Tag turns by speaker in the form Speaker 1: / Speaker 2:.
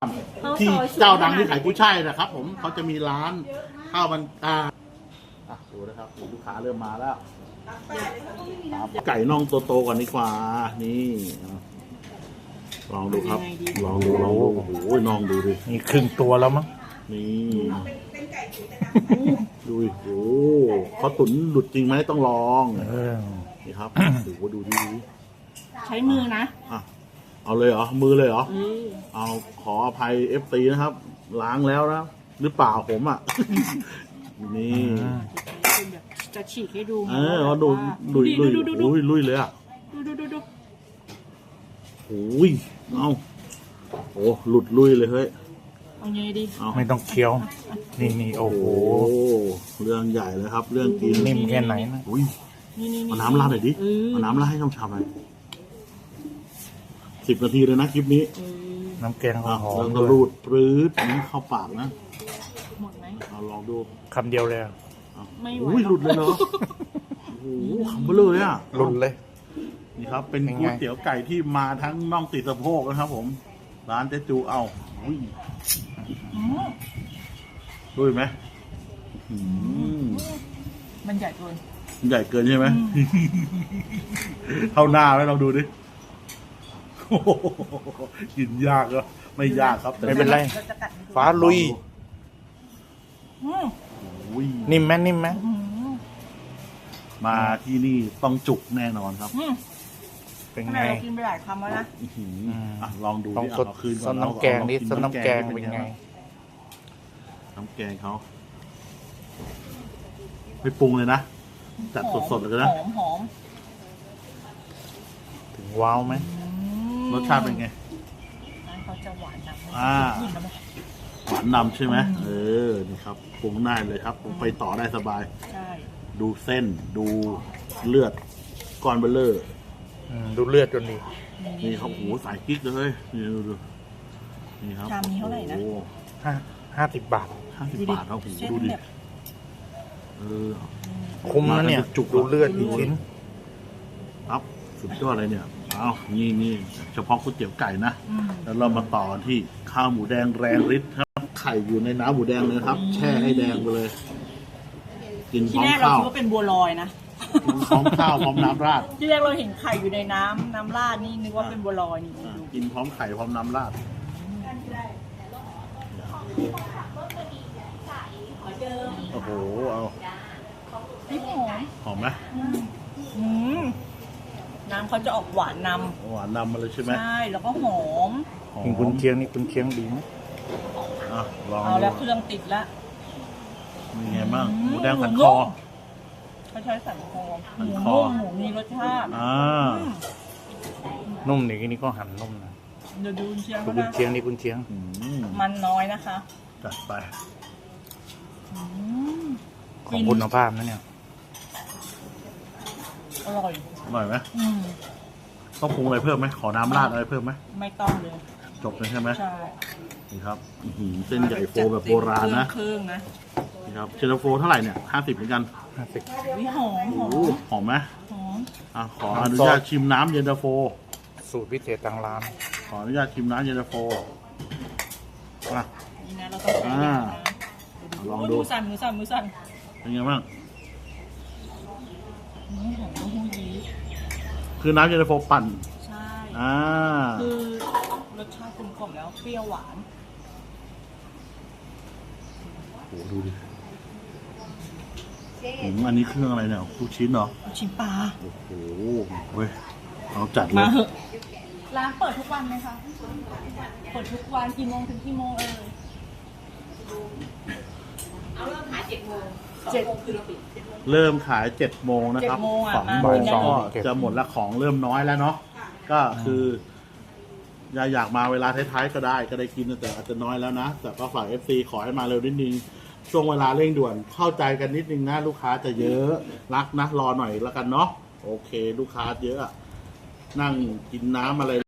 Speaker 1: ที่เจ้าดังที่ขายกุ้ยช่ายนะครับผมเขาจะมีร้านข้าวมันดูนะครับลูกค้าเริ่มมาแล้วไก่น่องโตๆก่อนดีกว่านี่ลองดูครับลองดูโอ้โหน่องดูดิ
Speaker 2: นี่ครึ่งตัวแล้วมั้ง
Speaker 1: นี่ดูโอ้เขาตุ๋นหลุดจริงไหมต้องลองนี่ครับดูดี
Speaker 3: ใช้มือนะ
Speaker 1: เอาเลยเหรอมือเลยเหรอเอาขออภัยFTนะครับ ล้างแล้วนะหรือเปล่าผมนี่
Speaker 3: จะฉีกให้ดู
Speaker 1: เขาดูลุยเลย
Speaker 3: ดู
Speaker 1: โอ้ยเอาโอ้หลุดลุยเลยเฮ้ย
Speaker 3: เอาไงดี
Speaker 2: ไม่ต้องเคี้ยวนี่โอ้โห
Speaker 1: เรื่องใหญ่เลยครับ เรื่องกิน
Speaker 2: นิ่มแค่ไหนนะ
Speaker 1: อุ้ยเอาน้ำราดหน่อยดิเอาน้ำราดให้ช่ำๆหน่อย10 นาทีเลยนะคลิปนี้
Speaker 2: น้ำแกงหอม
Speaker 1: แล้วก็รูดปรื้ดนี้เข้าปากนะ
Speaker 3: หมดไหม
Speaker 1: เอาลองดู
Speaker 2: คำเดียวเลย
Speaker 3: ไม่ไหว
Speaker 1: หลุดเลยเนาะโอ้โหคำเบลอเลย
Speaker 2: หลุดเลย
Speaker 1: นี่ครับเป็นก๋วยเตี๋ยวไก่ที่มาทั้งน่องติดสะโพกนะครับผมร้านเจ๊จูด้วยไหม
Speaker 3: มันใหญ่เกิน
Speaker 1: ใช่ไหมเท่าหน้าไหมลองดูดิกินยากก็ไม่ยากครับ
Speaker 2: ไม่เป็นไรฟ้าลุยนิ่มไหม
Speaker 1: มาที่นี่ต้องจุกแน่นอนครับ
Speaker 3: เป็นไงกินไปหลายคำแล้วนะ
Speaker 1: ลองดู
Speaker 2: ดิเอาคืนก่อนน้ำแกงนี่ซดน้ำแกงเป็นไง
Speaker 1: น้ำแกงเขาไม่ปรุงเลยนะจัดสดๆเลยนะ
Speaker 3: หอม
Speaker 2: ถึงว้าวไหม
Speaker 1: รสชาติเป็นไง
Speaker 3: เขาจะหวานนำ
Speaker 1: หวานนำใช่ไหมนี่ครับปรุงได้เลยครับผมไปต่อได้สบายดูเส้นดูเลือดก้อนเบลเลอร์
Speaker 2: ดูเลือดจนดี
Speaker 1: นี่ครับโอ้สายกิ๊กเลยดูนี่ครับ
Speaker 3: ชามนี้เท่าไหร่นะ
Speaker 2: 50 บาท
Speaker 1: ครับโอ้ดูดิ
Speaker 2: คุ้มนะเนี่ยจุกดูเลือดอีกชิ้น
Speaker 1: ครับสุดยอดเลยเนี่ยนี่เฉพาะก๋วยเตี๋ยวไก่นะแล้วเรามาต่อที่ข้าวหมูแดงแรงฤทธิ์ครับไข่อยู่ในน้ำหมูแดงเลยครับแช่ให้แดงไปเลยกินพร้อมข้าว
Speaker 3: ที่แรกเราคิดว่าเป็นบัวลอยนะ
Speaker 1: พร้อมข้าวพร้อมน้ำราด
Speaker 3: ที่แรกเราเห็นไข่อยู่ในน้ำราดนี่นึกว่าเป็นบัวลอยนี่
Speaker 1: กินพร้อมไข่พร้อมน้ำราดโอ้โหเอาหอมไหม
Speaker 3: น้ำเขาจะออกหวานน
Speaker 1: ำมาเลยใช่ไหม
Speaker 3: ใช่แล้วก็หอม
Speaker 2: คุณเคียงนี่คุณเคียงดีไหม
Speaker 1: ลอง
Speaker 3: เอาแล้วเครื่องติดละ
Speaker 1: มีไงบ้างหมูแดงสันคอ
Speaker 3: เขาใช้สันคอหมูมีรสชาติ
Speaker 2: นุ่มนี่ก็หั่นนุ่มนะ
Speaker 3: เดี๋ยวดูคุณเชียง
Speaker 2: คุณเชียงนี่คุณเชียง
Speaker 3: มันน้อยนะคะ
Speaker 1: จัดไป
Speaker 2: ของคุณภาพนะเนี่ย
Speaker 3: อร่อย
Speaker 1: ไหมต้องปรุงอะไรเพิ่มไหมขอน้ำราดอะไรเพิ่มไหม
Speaker 3: ไม่ต้องเลย
Speaker 1: จบเลยใช่ไหม
Speaker 3: ใช่
Speaker 1: นี่ครับเส้นใหญ่โฟแบบโบราณนะ
Speaker 3: เครื่องนะ
Speaker 1: นี่ครับเชนโฟเท่าไหร่เนี่ย50เหมือนกัน
Speaker 3: หอม
Speaker 1: หอมไหมขออนุญาตชิมน้ำเย็นตาโฟ
Speaker 2: สูตรพิเศษทางร้าน
Speaker 1: ขออนุญาตชิมน้ำเย็นตาโฟ
Speaker 3: นี่นะเราต้องลองดูมือสั่น
Speaker 1: เป็นไงบ้างคือน้ำเย็นตาโฟปั่น
Speaker 3: ใช่คือรสชาติกลมกล่อมแล้วเปรี้ยวหวาน
Speaker 1: โอ้ดูดิอันนี้เครื่องอะไรเนี่ยลูกชิ้นเหรอ
Speaker 3: ลูกชิ้นปลา
Speaker 1: โอ้โหเว้ยเอาจัดเลย
Speaker 3: มาเหอะร้านเปิดทุกวันไหมคะเปิดทุกวันกี่โมงถึงกี่โมงเอาเริ่มขาย7 โมงคือเราปิด
Speaker 1: เริ่มขาย7 โมงนะครับ2 ก็จะหมดละของเริ่มน้อยแล้วเนาะก็คืออยากมาเวลาท้ายๆก็ได้กินแต่อาจจะน้อยแล้วนะแต่ก็ฝาก FC ขอให้มาเร็วนิดนึงช่วงเวลาเร่งด่วนเข้าใจกันนิดนึงนะลูกค้าจะเยอะรักนะรอหน่อยแล้วกันเนาะโอเคลูกค้าเยอะนั่งกินน้ำอะไร